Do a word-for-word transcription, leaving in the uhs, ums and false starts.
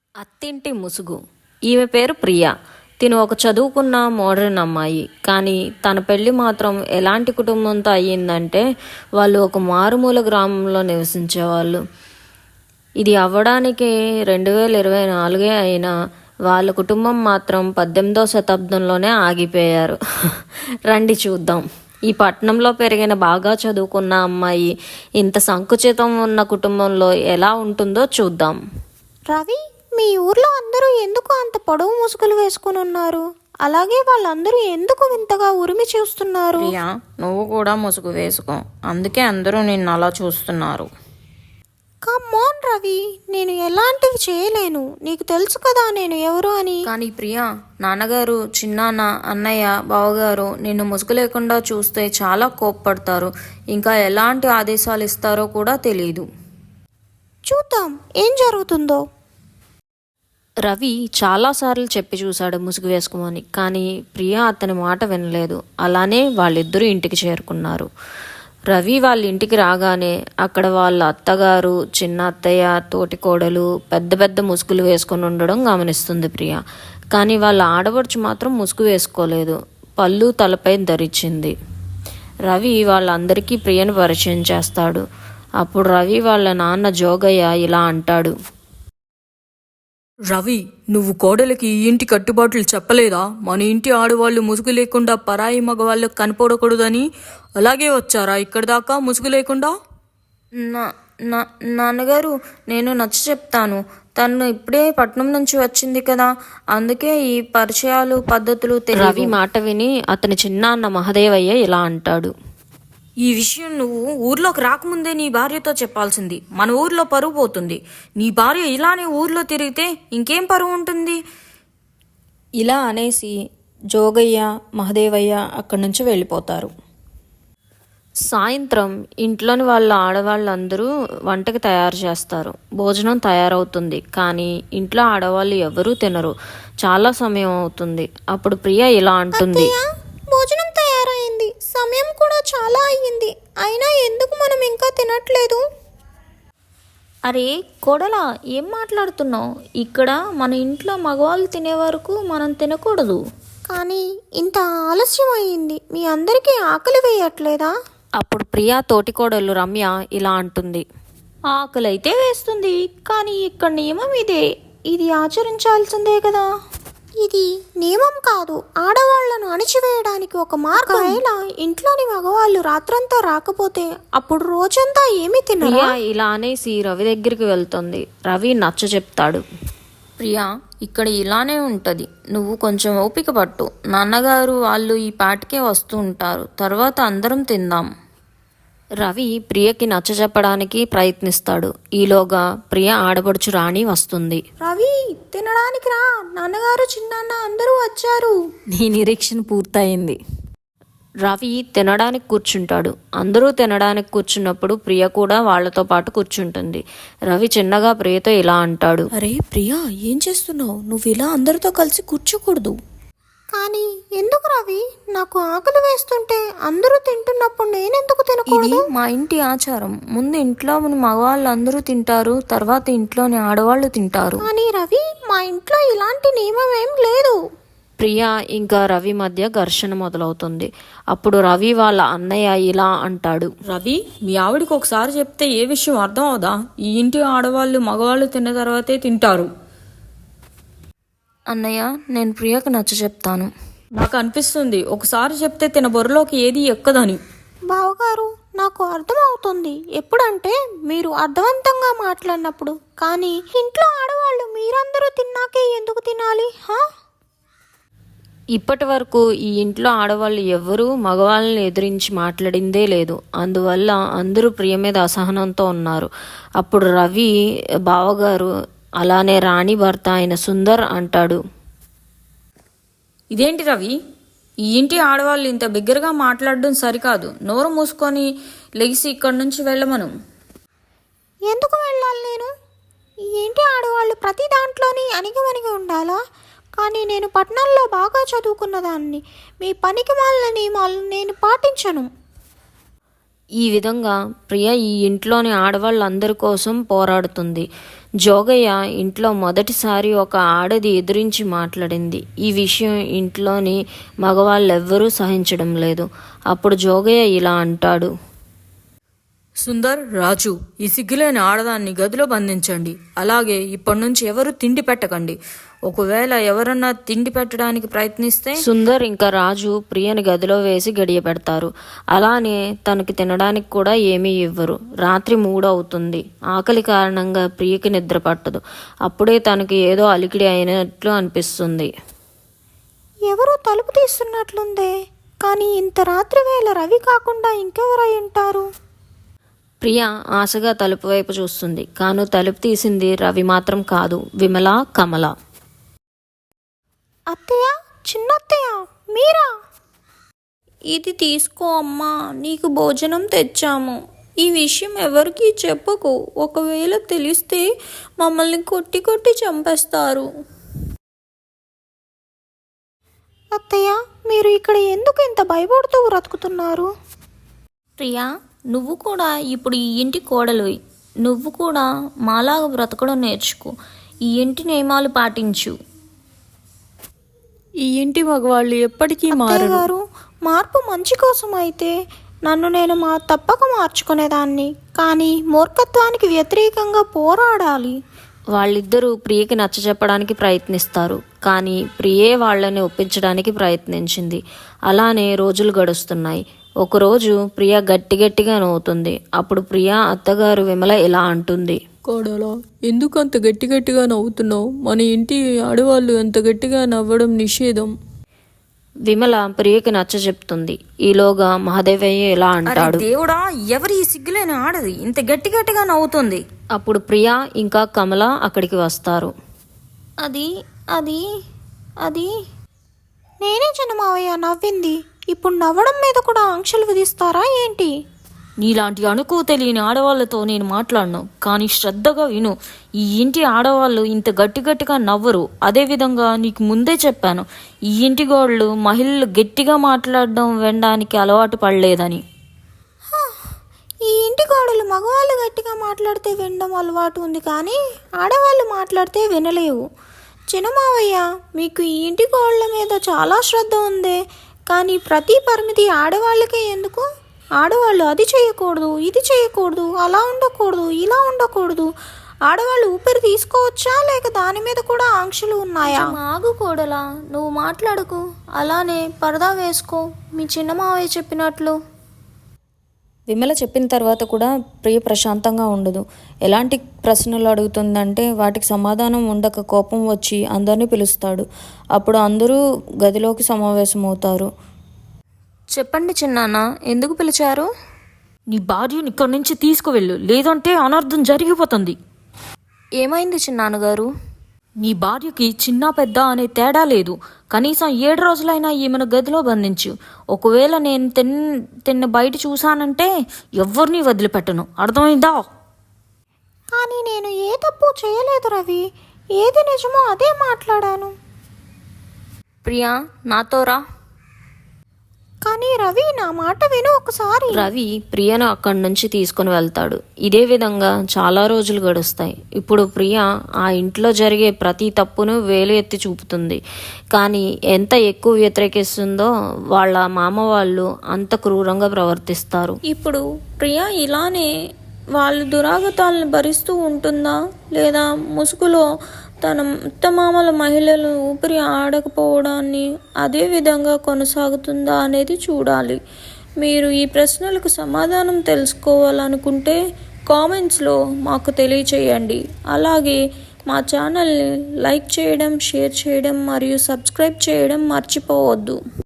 అత్తింటి ముసుగు. ఈమె పేరు ప్రియా. తిను ఒక చదువుకున్న మోడర్న్ అమ్మాయి. కానీ తన పెళ్ళి మాత్రం ఎలాంటి కుటుంబంతో అయ్యిందంటే వాళ్ళు ఒక మారుమూల గ్రామంలో నివసించేవాళ్ళు. ఇది అవ్వడానికి రెండు వేల ఇరవై నాలుగే అయినా వాళ్ళ కుటుంబం మాత్రం పద్దెనిమిదవ శతాబ్దంలోనే ఆగిపోయారు. రండి చూద్దాం. ఈ పట్టణంలో పెరిగిన బాగా చదువుకున్న అమ్మాయి ఇంత సంకుచితం ఉన్న కుటుంబంలో ఎలా ఉంటుందో చూద్దాం. రవి, మీ ఊర్లో అందరూ ఎందుకు అంత పొడవు ముసుగులు వేసుకుని ఉన్నారు? అలాగే వాళ్ళందరూ ఎందుకు వింతగా ఉరిమి చూస్తున్నారు? ప్రియా, నువ్వు కూడా ముసుగు వేసుకో, అందుకే అందరూ నిన్ను అలా చూస్తున్నారు. కమ్మోన్ రవి, నేను ఎలాంటివి చేయలేను. నీకు తెలుసు కదా నేను ఎవరు అని. కానీ ప్రియా, నాన్నగారు, చిన్నాన్న, అన్నయ్య, బావగారు నిన్ను ముసుగు లేకుండా చూస్తే చాలా కోప్పడతారు. ఇంకా ఎలాంటి ఆదేశాలు ఇస్తారో కూడా తెలియదు. చూద్దాం ఏం జరుగుతుందో. రవి చాలాసార్లు చెప్పి చూశాడు ముసుగు వేసుకోమని, కానీ ప్రియా అతని మాట వినలేదు. అలానే వాళ్ళిద్దరూ ఇంటికి చేరుకున్నారు. రవి వాళ్ళ ఇంటికి రాగానే అక్కడ వాళ్ళ అత్తగారు, చిన్న అత్తయ్య, తోటి కోడలు పెద్ద పెద్ద ముసుగులు వేసుకొని ఉండడం గమనిస్తుంది ప్రియ. కానీ వాళ్ళ ఆడపడుచు మాత్రం ముసుగు వేసుకోలేదు. పళ్ళు తలపై ధరించింది. రవి వాళ్ళందరికీ ప్రియను పరిచయం చేస్తాడు. అప్పుడు రవి వాళ్ళ నాన్న జోగయ్య ఇలా అంటాడు. రవి, నువ్వు కోడలికి ఈ ఇంటి కట్టుబాట్లు చెప్పలేదా? మన ఇంటి ఆడవాళ్ళు ముసుగు లేకుండా పరాయి మగవాళ్ళకు కనపడకూడదని. అలాగే వచ్చారా ఇక్కడి దాకా ముసుగు లేకుండా? నా నా నాన్నగారు, నేను నచ్చ చెప్తాను. తను ఇప్పుడే పట్నం నుంచి వచ్చింది కదా, అందుకే ఈ పరిచయాలు పద్ధతులు తెలియవు. రవి మాట విని అతని చిన్నాన్న మహదేవయ్య ఇలా అంటాడు. ఈ విషయం నువ్వు ఊర్లోకి రాకముందే నీ భార్యతో చెప్పాల్సింది. మన ఊర్లో పరువు పోతుంది. నీ భార్య ఇలానే ఊర్లో తిరిగితే ఇంకేం పరువు ఉంటుంది? ఇలా అనేసి జోగయ్య, మహదేవయ్య అక్కడి నుంచి వెళ్ళిపోతారు. సాయంత్రం ఇంట్లోని వాళ్ళ ఆడవాళ్ళందరూ వంటకి తయారు చేస్తారు. భోజనం తయారవుతుంది. కానీ ఇంట్లో ఆడవాళ్ళు ఎవరూ తినరు. చాలా సమయం అవుతుంది. అప్పుడు ప్రియ ఇలా అంటుంది. భోజనం తయారైంది, సమయం కూడా చాలా అయ్యింది, అయినా ఎందుకు మనం ఇంకా తినట్లేదు? అరే కోడలా, ఏం మాట్లాడుతున్నావు? ఇక్కడ మన ఇంట్లో మగవాళ్ళు తినే వరకు మనం తినకూడదు. కానీ ఇంత ఆలస్యం అయ్యింది, మీ అందరికీ ఆకలి వేయట్లేదా? అప్పుడు ప్రియా తోటి కోడలు రమ్య ఇలా అంటుంది. ఆకలి అయితే వేస్తుంది, కానీ ఇక్కడ నియమం ఇదే, ఇది ఆచరించాల్సిందే కదా. ఇది నియమం కాదు, ఆడవాళ్లను అణిచివేయడానికి ఒక మార్గం. ఒకవేళ ఇంట్లోని మగవాళ్ళు రాత్రంతా రాకపోతే అప్పుడు రోజంతా ఏమి తినరు. ప్రియా ఇలా అనేసి రవి దగ్గరికి వెళ్తుంది. రవి నచ్చ చెప్తాడు. ప్రియా, ఇక్కడ ఇలానే ఉంటుంది. నువ్వు కొంచెం ఓపిక పట్టు. నాన్నగారు వాళ్ళు ఈ పాటికే వస్తూ ఉంటారు. తర్వాత అందరం తిందాం. రవి ప్రియకి నచ్చ చెప్పడానికి ప్రయత్నిస్తాడు. ఈలోగా ప్రియ ఆడపడుచు రాణి వస్తుంది. రవి, తినడానికి రా, నాన్నగారు, చిన్నాన్న అందరూ వచ్చారు. నీ నిరీక్షణ పూర్తయింది. రవి తినడానికి కూర్చుంటాడు. అందరూ తినడానికి కూర్చున్నప్పుడు ప్రియ కూడా వాళ్లతో పాటు కూర్చుంటుంది. రవి చిన్నగా ప్రియతో ఇలా అంటాడు. అరే ప్రియా, ఏం చేస్తున్నావు? నువ్వు ఇలా అందరితో కలిసి కూర్చోకూడదు. కానీ ఎందుకు రవి? నాకు ఆకలి వేస్తుంటే అందరూ తింటున్నప్పుడు నేనెందుకు తినకూడదు? ఇది మా ఇంటి ఆచారం. ముందు ఇంట్లో మగవాళ్ళు అందరూ తింటారు, తర్వాత ఇంట్లోని ఆడవాళ్ళు తింటారు. కానీ రవి, మా ఇంట్లో ఇలాంటి నియమం ఏం లేదు. ప్రియ ఇంకా రవి మధ్య ఘర్షణ మొదలవుతుంది. అప్పుడు రవి వాళ్ళ అన్నయ్య ఇలా అంటాడు. రవి, మీ ఆవిడికి ఒకసారి చెప్తే ఏ విషయం అర్థం అవుదా? ఈ ఇంటి ఆడవాళ్ళు మగవాళ్ళు తిన్న తర్వాతే తింటారు. అన్నయ్య, నేను ప్రియకు నచ్చ చెప్తాను. నాకు అనిపిస్తుంది ఒకసారి చెప్తే తిన బొర్రలోకి ఏది ఎక్కదని. బావగారు, నాకు అర్థమవుతుంది ఎప్పుడంటే మీరు అర్థవంతంగా మాట్లాడినప్పుడు. కానీ ఇంట్లో ఆడవాళ్ళు మీరందరూ తిన్నాకే ఎందుకు తినాలి? హా ఇప్పటి వరకు ఈ ఇంట్లో ఆడవాళ్ళు ఎవ్వరూ మగవాళ్ళని ఎదిరించి మాట్లాడిందే లేదు. అందువల్ల అందరూ ప్రియ మీద అసహనంతో ఉన్నారు. అప్పుడు రవి బావగారు అలానే రాణి భర్త అయిన సుందర్ అంటాడు. ఇదేంటి రవి, ఈ ఇంటి ఆడవాళ్ళు ఇంత బిగ్గరగా మాట్లాడడం సరికాదు. నోరు మూసుకొని లెగిసి ఇక్కడి నుంచి వెళ్ళమను. ఎందుకు వెళ్ళాలి నేను? ఈ ఇంటి ఆడవాళ్ళు ప్రతి దాంట్లోని అణిగిమణిగి ఉండాలా? కానీ నేను పట్టణంలో బాగా చదువుకున్న దాన్ని. మీ పనికి మాలిన నియమాలను నేను పాటించను. ఈ విధంగా ప్రియ ఈ ఇంట్లోని ఆడవాళ్ళందరి కోసం పోరాడుతుంది. జోగయ్య ఇంట్లో మొదటిసారి ఒక ఆడది ఎదురించి మాట్లాడింది. ఈ విషయం ఇంట్లోని మగవాళ్ళెవ్వరూ సహించడం లేదు. అప్పుడు జోగయ్య ఇలా అంటాడు. సుందర్, రాజు, ఈ సిగ్గులేని ఆడదాన్ని గదిలో బంధించండి. అలాగే ఇప్పటి నుంచి ఎవరు తిండి పెట్టకండి. ఒకవేళ ఎవరన్నా తిండి పెట్టడానికి ప్రయత్నిస్తే సుందర్ ఇంకా రాజు ప్రియని గదిలో వేసి గడియ పెడతారు. అలానే తనకి తినడానికి కూడా ఏమీ ఇవ్వరు. రాత్రి మూడవుతుంది. ఆకలి కారణంగా ప్రియకి నిద్ర పట్టదు. అప్పుడే తనకి ఏదో అలికిడి అయినట్లు అనిపిస్తుంది. ఎవరో తలుపు తీస్తున్నట్లుందే, కానీ ఇంత రాత్రి వేళ రవి కాకుండా ఇంకెవరై ఉంటారు? ప్రియ ఆశగా తలుపు వైపు చూస్తుంది. కాను తలుపు తీసింది రవి మాత్రం కాదు, విమల, కమల. అత్తయ్య, చిన్నత్తయ్య, మీరా? ఇది తీసుకో అమ్మా, నీకు భోజనం తెచ్చాము. ఈ విషయం ఎవరికీ చెప్పకు. ఒకవేళ తెలిస్తే మమ్మల్ని కొట్టి కొట్టి చంపేస్తారు. అత్తయ్య, మీరు ఇక్కడ ఎందుకు ఇంత భయపడుతూ బ్రతుకుతున్నారు? ప్రియా, నువ్వు కూడా ఇప్పుడు ఈ ఇంటి కోడలువి. నువ్వు కూడా మాలాగా బ్రతకడం నేర్చుకో. ఈ ఇంటి నియమాలు పాటించు. ఈ ఇంటి మగవాళ్ళు ఎప్పటికీ మారరు. గారు, మార్పు మంచి కోసం అయితే నన్ను నేను మా తప్పక మార్చుకునేదాన్ని, కానీ మూర్ఖత్వానికి వ్యతిరేకంగా పోరాడాలి. వాళ్ళిద్దరూ ప్రియకి నచ్చజెప్పడానికి ప్రయత్నిస్తారు. కానీ ప్రియే వాళ్ళని ఒప్పించడానికి ప్రయత్నించింది. అలానే రోజులు గడుస్తున్నాయి. ఒకరోజు ప్రియ గట్టి గట్టిగా నవ్వుతుంది. అప్పుడు ప్రియ అత్తగారు విమల ఇలా అంటుంది. కోడలా, ఎందుకు అంత గట్టి గట్టిగా నవ్వుతున్నావు? మన ఇంటి ఆడవాళ్ళు అంత గట్టిగా నవ్వడం నిషేధం. విమల ప్రియకి నచ్చ చెప్తుంది. ఈలోగా మహాదేవయ్య ఇలా అంటాడు. దేవుడా, ఎవరి ఈ సిగ్గులేని ఆడది ఇంత గట్టి గట్టిగా నవ్వుతుంది? అప్పుడు ప్రియ ఇంకా కమల అక్కడికి వస్తారు. అది అది అది నేనే చిన్నమావయ్య నవ్వింది. ఇప్పుడు నవ్వడం మీద కూడా ఆంక్షలు విధిస్తారా ఏంటి? నీలాంటి అనుకో తెలియని ఆడవాళ్ళతో నేను మాట్లాడను. కానీ శ్రద్ధగా విను. ఈ ఇంటి ఆడవాళ్ళు ఇంత గట్టి గట్టిగా నవ్వరు. అదేవిధంగా నీకు ముందే చెప్పాను, ఈ ఇంటి గోళ్ళు మహిళలు గట్టిగా మాట్లాడడం వినడానికి అలవాటు పడలేదని. ఈ ఇంటి గోడలు మగవాళ్ళు గట్టిగా మాట్లాడితే వినడం అలవాటు ఉంది, కానీ ఆడవాళ్ళు మాట్లాడితే వినలేవు. చిన్నమావయ్య, మీకు ఈ ఇంటి గోడల మీద చాలా శ్రద్ధ ఉంది, కానీ ప్రతి పరిమితి ఆడవాళ్ళకే ఎందుకు? ఆడవాళ్ళు అది చేయకూడదు, ఇది చేయకూడదు, అలా ఉండకూడదు, ఇలా ఉండకూడదు. ఆడవాళ్ళు ఊపిరి తీసుకోవచ్చా, లేక దాని మీద కూడా ఆంక్షలు ఉన్నాయా? ఆగు కోడలా, నువ్వు మాట్లాడకు. అలానే పరదా వేసుకో, మీ చిన్న మావయ్య చెప్పినట్లు. విమల చెప్పిన తర్వాత కూడా ప్రియ ప్రశాంతంగా ఉండదు. ఎలాంటి ప్రశ్నలు అడుగుతుందంటే వాటికి సమాధానం ఉండక కోపం వచ్చి అందరినీ పిలుస్తాడు. అప్పుడు అందరూ గదిలోకి సమావేశమవుతారు. చెప్పండి చిన్నాన్న, ఎందుకు పిలిచారు? నీ భార్యని ఇక్కడి నుంచి తీసుకువెళ్ళు, లేదంటే అనర్థం జరిగిపోతుంది. ఏమైంది చిన్నాన్నగారు? నీ భార్యకి చిన్న పెద్ద అనే తేడా లేదు. కనీసం ఏడు రోజులైనా ఈమెను గదిలో బంధించు. ఒకవేళ నేను తిన్ తిన్న బయట చూశానంటే ఎవరిని వదిలిపెట్టను, అర్థమైందా? కానీ నేను ఏ తప్పు చేయలేదు రవి. ఏది నిజమో అదే మాట్లాడాను. ప్రియా, నాతో రా. కానీ రవి, నా మాట విను ఒకసారి. రవి ప్రియను అక్కడి నుంచి తీసుకుని వెళ్తాడు. ఇదే విధంగా చాలా రోజులు గడుస్తాయి. ఇప్పుడు ప్రియ ఆ ఇంట్లో జరిగే ప్రతి తప్పును వేలు ఎత్తి చూపుతుంది. కానీ ఎంత ఎక్కువ వ్యతిరేకిస్తుందో వాళ్ళ మామ వాళ్ళు అంత క్రూరంగా ప్రవర్తిస్తారు. ఇప్పుడు ప్రియా ఇలానే వాళ్ళ దురాగతాలను భరిస్తూ ఉంటుందా, లేదా ముసుగులో తన అత్తమామల మహిళలు ఊపిరి ఆడకపోవడాన్ని అదే విధంగా కొనసాగుతుందా అనేది చూడాలి. మీరు ఈ ప్రశ్నలకు సమాధానం తెలుసుకోవాలనుకుంటే కామెంట్స్లో మాకు తెలియచేయండి. అలాగే మా ఛానల్ని లైక్ చేయడం, షేర్ చేయడం మరియు సబ్స్క్రైబ్ చేయడం మర్చిపోవద్దు.